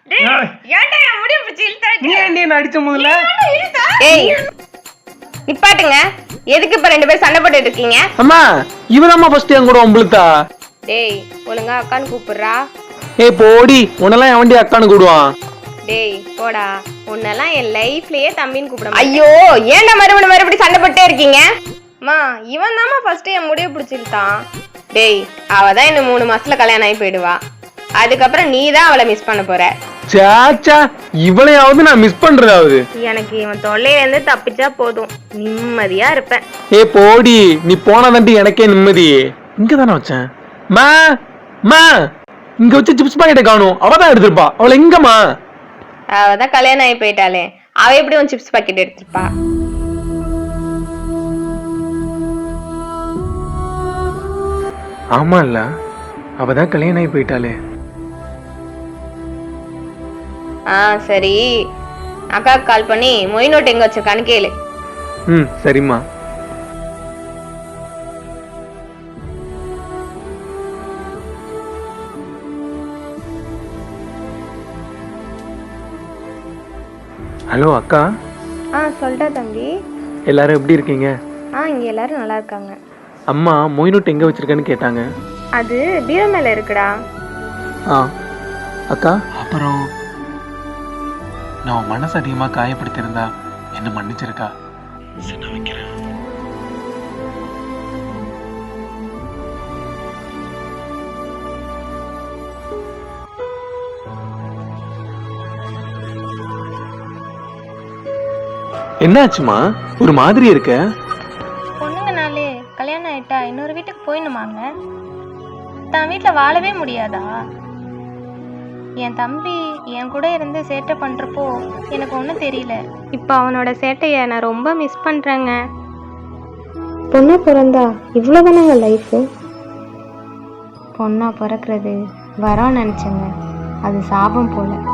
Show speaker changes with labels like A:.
A: டேய் ஏன்டா என் முடி பிடிச்சி இழுத்தாடி?
B: நீ ஏன்டி என்ன அடிச்ச முதல்ல?
C: ஏய் நிப்பாட்டுங்க. எதுக்கு இப்ப ரெண்டு பேரும் சண்டை போட்டுட்டு இருக்கீங்க?
B: அம்மா இவனம்மா ஃபர்ஸ்ட் என் கூட ஒம்பளுத்தா.
C: டேய் ஒழுங்கா அக்கான்னு கூப்பிடுறா.
B: ஏய் போடி, உன்னெல்லாம் என் வண்டி அக்கான்னு கூடுவான்.
C: டேய் போடா, உன்னெல்லாம் என் லைஃப்லயே தம்பின்னு கூப்பிட. ஐயோ ஏன்டா மறுபடியும் சண்டை போட்டே இருக்கீங்க? அம்மா இவன் தாம்மா ஃபர்ஸ்ட் என் முடிய பிடிச்சிருந்தான். டேய் அவதான் இன்னும் 3 மாசத்துல கல்யாணம் ஆகி போயிடுவா. அதுக்கப்புறம் நீ தான் அவளை மிஸ் பண்ண போற.
B: சாச்சா இவளையாவது நான் மிஸ் பண்றதாவது.
C: எனக்கு இவன் தொல்லையில இருந்து தப்பிச்சா போதும், நிம்மதியா இருப்பேன்.
B: ஏய் போடி, நீ போனாதாண்டி எனக்கே நிம்மதி. இங்கதானே வச்சேன். மா மா இங்க வச்சு சிப்ஸ் பாக்கெட்டை காணும். அவதான் எடுத்திருப்பா. அவளை எங்கம்மா?
C: அவதான் கல்யாணம் ஆகி போயிட்டாளே, அவ எப்படி உன் சிப்ஸ் பாக்கெட் எடுத்திருப்பா?
B: ஆமா இல்ல, அவதான் கல்யாணம் ஆகி போயிட்டாளே.
C: சரி அக்காவுக்கு கால் பண்ணி மொய் நோட் எங்க வச்சிருக்கான்னு கேளு.
B: சரிம்மா. ஹலோ அக்கா.
C: சொல்லிட்டா தம்பி.
B: எல்லாரும் எப்படி இருக்கீங்க?
C: இங்க எல்லாரும் நல்லா இருக்காங்க.
B: அம்மா மொய் நோட் எங்க வச்சிருக்கேன்னு கேட்டாங்க.
C: அது பீரோ மேல இருக்குடா.
B: அக்கா அப்புறம் நான் மனசு அதிகமா காயப்படுத்திருந்தா என்ன மன்னிச்சிருக்கா? நான் வைக்கிறேன். என்னாச்சுமா ஒரு மாதிரி இருக்க?
D: பொண்ணுங்கனாலே கல்யாணம் ஆயிட்டா இன்னொரு வீட்டுக்கு போயிடணுமாங்க? தான் வீட்டுல வாழவே முடியாதா? என் தம்பி என் கூட இருந்து சேட்டை பண்றப்போ எனக்கு ஒன்றும் தெரியல. இப்போ அவனோட சேட்டையை நான் ரொம்ப மிஸ் பண்றேங்க. பொண்ணா பிறந்தா இவ்வளோதானங்க லைஃபு. பொண்ணா பிறக்கிறது வரான்னு நினச்சேங்க, அது சாபம் போல.